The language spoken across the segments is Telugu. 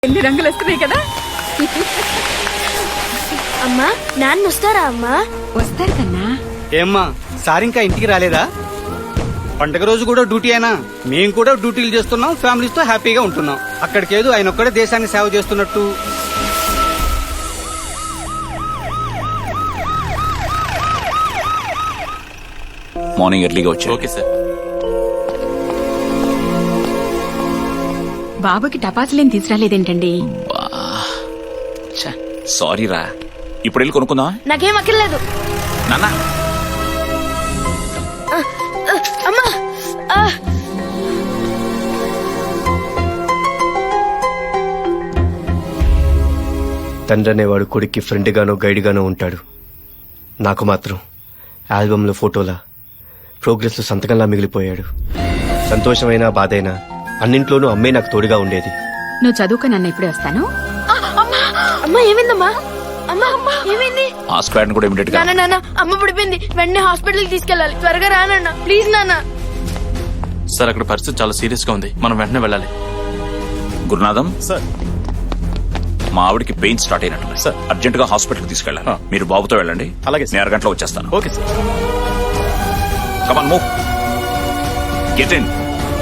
ఎన్ని రంగులు వస్తున్నాయి కదా. అమ్మా నాన్న వస్తారా అమ్మా? వస్తారు కన్నా. ఏమ్మా సార్ ఇంకా ఇంటికి రాలేదా? పండగ రోజు కూడా డ్యూటీ అయినా మేము కూడా డ్యూటీలు చేస్తున్నాం, ఫ్యామిలీస్ తో హ్యాపీగా ఉంటున్నాం. అక్కడికేదో ఆయన ఒక్కడే దేశాన్ని సేవ చేస్తున్నట్టు. మార్నింగ్ ఎర్లీగా వచ్చా. Okay sir. బాబుకి టపాసులేం తీసుకురాలేదేంటండి? సారీ రా, ఇప్పుడు వెళ్ళి కొనుక్కుందా? నాకేం అక్కర్లేదు. నాన్న అమ్మా తండ్రి అనేవాడు కొడుక్కి ఫ్రెండ్ గానో గైడ్ గానో ఉంటాడు. నాకు మాత్రం ఆల్బంలో ఫోటోలా, ప్రోగ్రెస్ లో సంతకంలా మిగిలిపోయాడు. సంతోషమైనా బాధైనా అన్నింట్లోనూ అమ్మే నాకు తోడుగా ఉండేది. నువ్వు చదువుకో నాన్న, ఇప్పుడే వస్తాను. అమ్మా ఏమైందమ్మా? అమ్మా అమ్మా ఏమైంది? ఆ స్క్వాడ్ కూడా ఇమిడియట్ గా. నాన్న నాన్న అమ్మ పడిపోయింది, వెంటనే హాస్పిటల్ కి తీసుకెళ్ళాలి. త్వరగా రా నాన్న, ప్లీజ్ నాన్న. సార్ అక్కడ పరిస్థితి చాలా సీరియస్ గా ఉంది, మనం వెంటనే వెళ్ళాలి. గురునాథం సార్, మా ఆవిడికి పెయిన్ స్టార్ట్ అయినట్టు సార్. అర్జెంట్ గా హాస్పిటల్ కి తీసుకెళ్ళాలి. మీరు బాబుతో వెళ్ళండి. అలాగే సార్. నేను అరగంటలో వచ్చేస్తాను. Okay sir. Come on move, get in.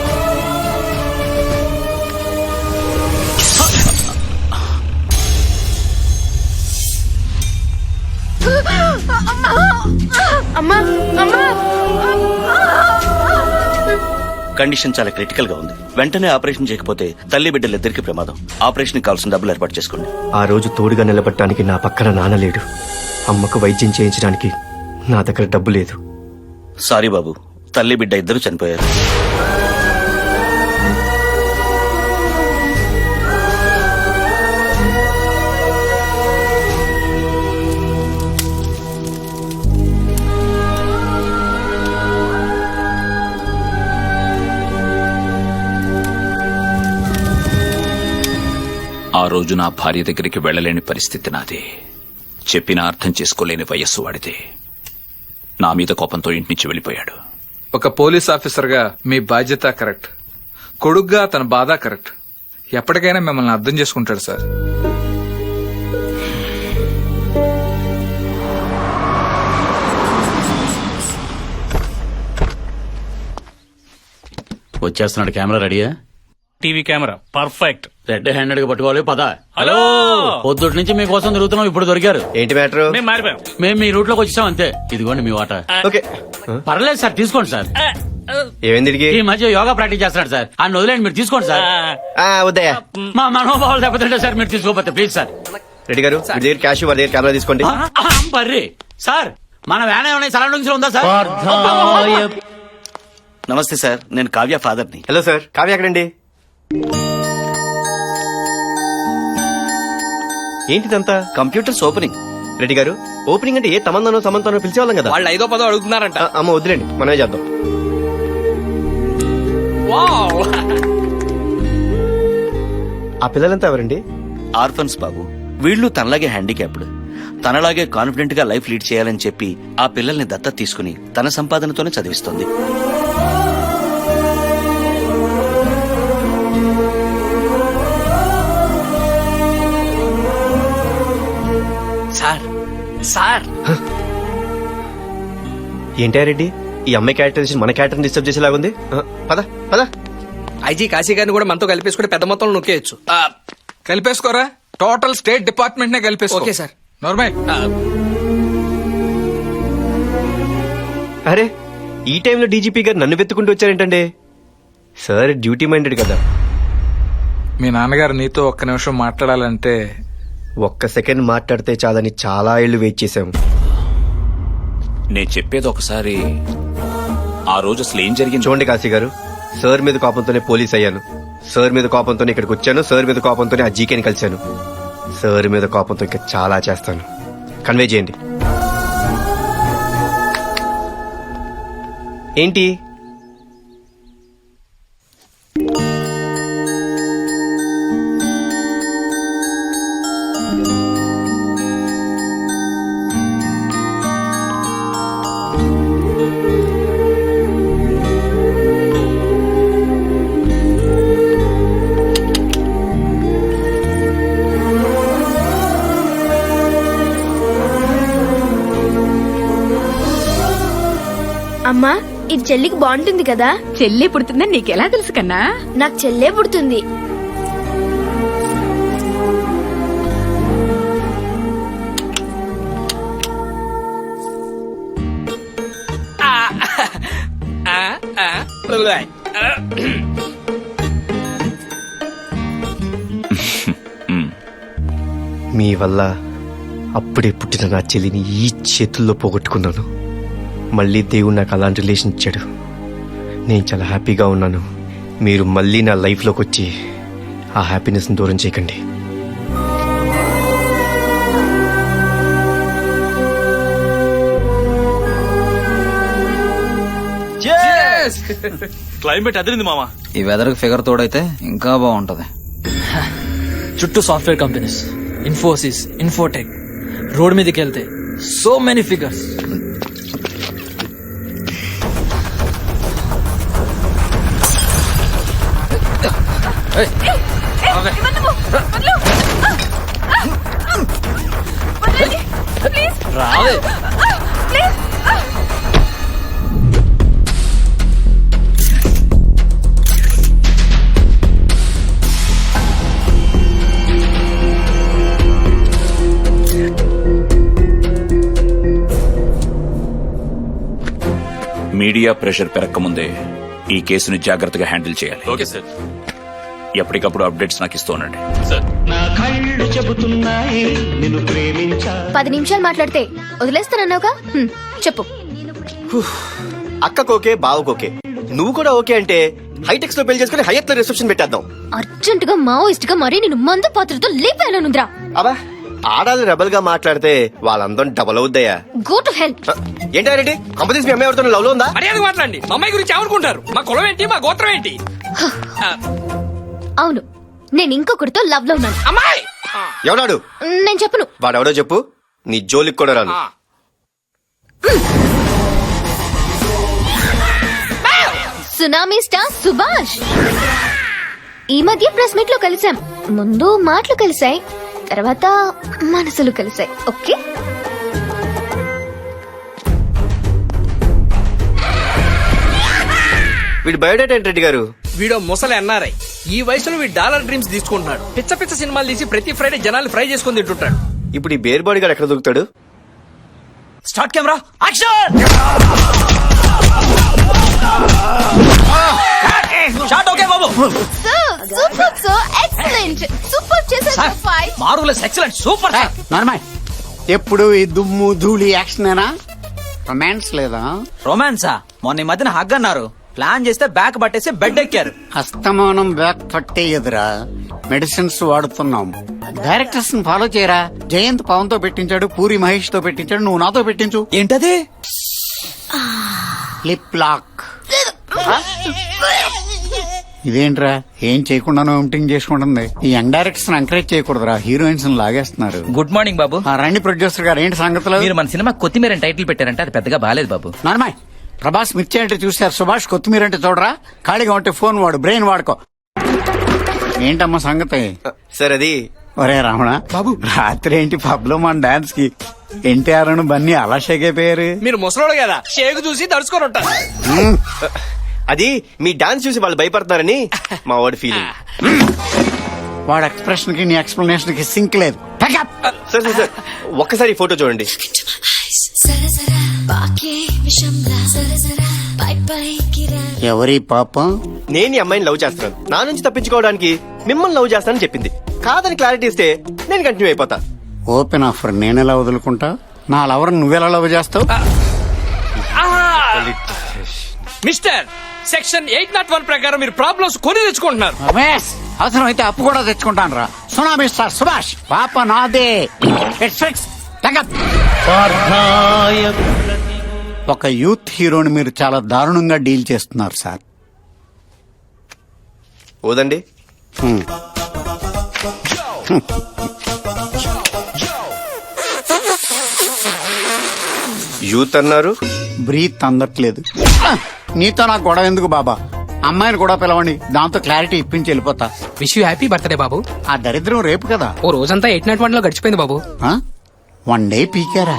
అమ్మా అమ్మా కండిషన్ చాలా క్రిటికల్ గా ఉంది. వెంటనే ఆపరేషన్ చేయకపోతే తల్లి బిడ్డలిద్దరికి ప్రమాదం. ఆపరేషన్ కావాల్సిన డబ్బులు ఏర్పాటు చేసుకోండి. ఆ రోజు తోడుగా నిలబడటానికి నా పక్కన నాన్న లేడు. అమ్మకు వైద్యం చేయించడానికి నా దగ్గర డబ్బు లేదు. సారీ బాబు, తల్లి బిడ్డ ఇద్దరు చనిపోయారు. ఆ రోజు నా భార్య దగ్గరికి వెళ్లలేని పరిస్థితి నాది. చెప్పినా అర్థం చేసుకోలేని వయస్సు వాడితే. నా మీద కోపంతో ఇంటి నుంచి వెళ్లిపోయాడు. ఒక పోలీస్ ఆఫీసర్ గా మీ బాధ్యత కరెక్ట్, కొడుగ్గా తన బాధ కరెక్ట్. ఎప్పటికైనా మిమ్మల్ని అర్థం చేసుకుంటాడు సార్. వచ్చేస్తున్నాడు. కెమెరా రెడీయా? TV camera perfect. Red handed గా పట్టుకోవాలి. పద. హలో, పొద్దుటి నుంచి మీకోసం తిరుగుతున్నాం, ఇప్పుడు దొరికారు. ఏంటి మ్యాటర్? మేము మారిపోయాం. మేము మీ రూట్ లోకి వచ్చాం అంతే. ఇదిగోండి మీ వాటా. ఓకే. పర్లేదు సార్, తీసుకోండి సార్. ఏమైంది వీడికి? ఈ మధ్య యోగా ప్రాక్టీస్ చేస్తున్నాడు సార్, ఆయన వదిలేండి, మీరు తీసుకోండి సార్. వద్దయ్యా. మా మనోభావాలు దెబ్బతింటే సార్, మీరు తీసుకోపోతే ప్లీజ్ సార్. రెడ్డి గారు, మీ దగ్గర క్యాష్, వారి దగ్గర కెమెరా తీసుకోండి. బర్రీ సార్, మన వ్యాన్ ఏమైనా సరౌండింగ్స్ లో ఉందా సార్? నమస్తే సార్, నేను కావ్య ఫాదర్ని. హలో సార్, కావ్య ఎక్కడండి? ఏంటిదంతా? Computers opening. రెడ్డి గారు, ఓపెనింగ్ అంటే ఏ తమందనో సమంతనో పిలిచేవాళ్ళం కదా. వాళ్ళు 5వ 10వ అడుగుతున్నారంట. అమ్మ వద్దులేండి, మనమే చేద్దాం. ఆ పిల్లలంతా ఎవరండి? ఆర్ఫన్స్ బాబు. వీళ్ళు తనలాగే హ్యాండిక్యాప్డ్. తనలాగే కాన్ఫిడెంట్ గా లైఫ్ లీడ్ చేయాలని చెప్పి ఆ పిల్లల్ని దత్తత తీసుకుని తన సంపాదనతోనే చదివిస్తుంది. సార్ సార్ ఏంటా రెడ్డి, ఈ అమ్మాయి క్యారెక్టరైజేషన్ మన క్యారెక్టర్ డిస్టర్బ్ చేసేలాగుంది. పద పద. ఐజీ కాశీ గారిని కూడా మనతో కలిపేసుకుంటే పెద్ద మొత్తంలో నొక్కేయచ్చు. కలిపేసుకోరా, టోటల్ స్టేట్ డిపార్ట్మెంట్ నే కలిపేసుకో. Okay sir. నార్మల్. అరే, ఈ టైంలో డీజీపీ గారు నన్ను వెతుకుంటూ వచ్చారేంటండి? సార్ డ్యూటీ మైండెడ్ కదా. మీ నాన్నగారు నీతో ఒక్క నిమిషం మాట్లాడాలంటే. ఒక్క సెకండ్ మాట్లాడితే చాలని చాలా ఏళ్లు వెయిట్ చేశాము. నేను చెప్పేది ఒకసారి. ఆ రోజు అసలు ఏం జరిగింది చూడండి కాశీ గారు, సార్ మీద కోపంతోనే పోలీస్ అయ్యాను, సార్ మీద కోపంతోనే ఇక్కడికి వచ్చాను, సార్ మీద కోపంతోనే ఆ జీకేని కలిశాను. సార్ మీద కోపంతో ఇంకా చాలా చేస్తాను. కన్వే చేయండి. ఏంటి? అమ్మా ఇది చెల్లికి బాగుంటుంది కదా. చెల్లి పుడుతుందని నీకెలా తెలుసు కన్నా? నాకు చెల్లే పుడుతుంది. మీ వల్ల అప్పుడే పుట్టిన నా చెల్లిని ఈ చేతుల్లో పోగొట్టుకున్నాను. మళ్ళీ దేవుడు నాకు అలాంటి రిలేషన్ ఇచ్చాడు. నేను చాలా హ్యాపీగా ఉన్నాను. మీరు మళ్ళీ నా లైఫ్లోకి వచ్చి ఆ హ్యాపీనెస్ని దూరం చేయకండి. క్లైమేట్ అదిరింది మామ. ఈ వెదర్ ఫిగర్ తోడైతే ఇంకా బాగుంటది. చుట్టూ software companies, Infosys, Infotech. Road మీదకి వెళ్తే సో మెనీ ఫిగర్స్. రావే. మీడియా ప్రెషర్ పెరగకముందే ఈ కేసుని జాగ్రత్తగా హ్యాండిల్ చేయాలి. Okay sir. ఎప్పటికప్పుడు అప్డేట్స్ నాకు ఇస్తూ ఉండండి. సార్ 10 నిమిషాలు మాట్లాడితే వదిలేస్తానన్నావుగా. చెప్పు. అక్కకోకే బావకోకే, నువ్వు కూడా ఓకే అంటే హైటెక్స్ లో పెళ్లి చేసుకుని హయత్ లో రిసెప్షన్ పెట్టేద్దాం. అర్జెంట్ గా మావోయిస్ట్ గా మరీ నేను మందు పాత్రతో లేపానుంద్రా. అబ్బా, ఆడాలి రెబల్ గా మాట్లాడితే వాళ్ళందరం డబల్ అవుద్దయ్యా. Go to help. ఏంటారెడ్డి కంపెనీస్ మీ అమ్మాయి ఎవరితో లవ్ లో ఉందా? మర్యాద మాట్లాడండి. మా అమ్మాయి గురించి ఏమనుకుంటారు? మా కులం ఏంటి, మా గోత్రం ఏంటి? అవును, నేను ఇంకొకరితో లవ్ లో ఉన్నాను. అమ్మాయి ఎవడాడు? నేను చెప్పను. వాడెవడో చెప్పు, నీ జోలికి కూడా రాను. Tsunami star Subhash. ఈ మధ్య ప్రెస్ మీట్ లో కలిసాం. ముందు మాటలు కలిసాయి, తర్వాత మనసులు కలిసాయి. ఓకే. వీడి బయోడేటా ఏంటి రెడ్డి గారు? వీడో ముసలి ఎన్ఆర్ఐ. ఈ వయసులో వీడు డాలర్ డ్రీమ్స్ తీసుకుంటున్నాడు. పిచ్చ పిచ్చ సినిమాలు తీసి ప్రతి ఫ్రైడే జనాలు ఫ్రై చేసుకుని తింటుంటాడు. ఇప్పుడు ఈ బేర్ బాడీ గారు ఎక్కడ దొరుకుతాడు? Start camera action. Shot okay బాబు. Super, so excellent. సూపర్ చేశారు. Fight marvellous, excellent, super. Normal ఎప్పుడు ఈ దుమ్ము ధూళి యాక్షన్ రొమాన్స్ లేదా? రొమాన్సా? మొన్న ఈ మధ్యన హగ్ అన్నారు. ప్లాన్ చేస్తే బ్యాక్ పట్టేసి బెడ్ ఎక్కారు. అస్తమానం బ్యాక్ పట్టే ఎదురా మెడిసిన్స్ వాడుతున్నాం. డైరెక్టర్స్ ఫాలో చేయరా. జయంత్ పవన్ తో పెట్టించాడు, పూరి మహేష్ తో పెట్టించాడు, నువ్వు నాతో పెట్టించు. ఏంటది? Lip lock. ఇదేంట్రా ఏం చేయకుండానో ఎంటింగ్ చేసుకుంటుంది. ఈ యంగ్ డైరెక్టర్స్ ఎంకరేజ్ చేయకూడదురా, హీరోయిన్స్ లాగేస్తున్నారు. గుడ్ మార్నింగ్ బాబు. రండి ప్రొడ్యూసర్ గారు, ఏంటి సంగతులు? మీరు మన సినిమా కొత్తిమీర టైటిల్ పెట్టారంటే అది పెద్దగా బాలేదు బాబు. నార్మల్ ప్రభాస్ మిర్చి అంటే చూశారు, సుభాష్ కొత్తిమీర అంటే చూడరా. ఖాళీగా ఉంటే ఫోన్ వాడు, బ్రెయిన్ వాడుకో. ఏంటమ్మా సంగతి? సార్ అది ఒరే రమణ బాబు, రాత్రి ఏంటి పబ్ లో మన డాన్స్ కి ఎన్టీఆర్ అను బన్నీ అలా షేక్ అయిపోయారు. మీరు ముసలోడు కదా, షేక్ చూసి దడుచుకొని ఉంటారు. అది మీ డాన్స్ చూసి వాళ్ళు భయపడతారని మా వాడి ఫీలింగ్. వాడు ఎక్స్ప్రెషన్ కి నీ ఎక్స్ప్లెనేషన్ కి సింక్ లేదు. సార్ సార్ సార్ ఒక్కసారి ఫోటో చూడండి. ఎవరి పాపం? నేను ఈ అమ్మాయిని లవ్ చేస్తున్నాను, నా నుంచి తప్పించుకోవడానికి మిమ్మల్ని లవ్ చేస్తానని చెప్పింది. కాదని క్లారిటీ ఇస్తే నేను కంటిన్యూ అయిపోతా. ఓపెన్ ఆఫర్ నేనెలా వదులుకుంటా? నా లవర్ నువ్వెలా లవ్ చేస్తావు? మిస్టర్, సెక్షన్ 801 ప్రకారం మీరు ప్రాబ్లమ్స్ కొని తెచ్చుకుంటున్నారు. రమేష్, అవసరం అయితే అప్పు కూడా తెచ్చుకుంటాను రా. సునామీ స్టార్ సుభాష్ పాప నాదే. It's fix. ఒక యూత్ హీరోని మీరు చాలా దారుణంగా డీల్ చేస్తున్నారు సార్. ఓదండి. యూత్ అన్నారు, బ్రీత్ అందట్లేదు. నీతో నాకు గొడవ ఎందుకు బాబా? అమ్మాయిని కూడా పిలవండి, దాంతో క్లారిటీ ఇప్పించి వెళ్ళిపోతా. విష్ యూ హ్యాపీ బర్త్డే బాబు. ఆ దరిద్రం రేపు కదా. ఓ రోజంతా 801 లో గడిచిపోయింది బాబు. 1 డే పీకారా?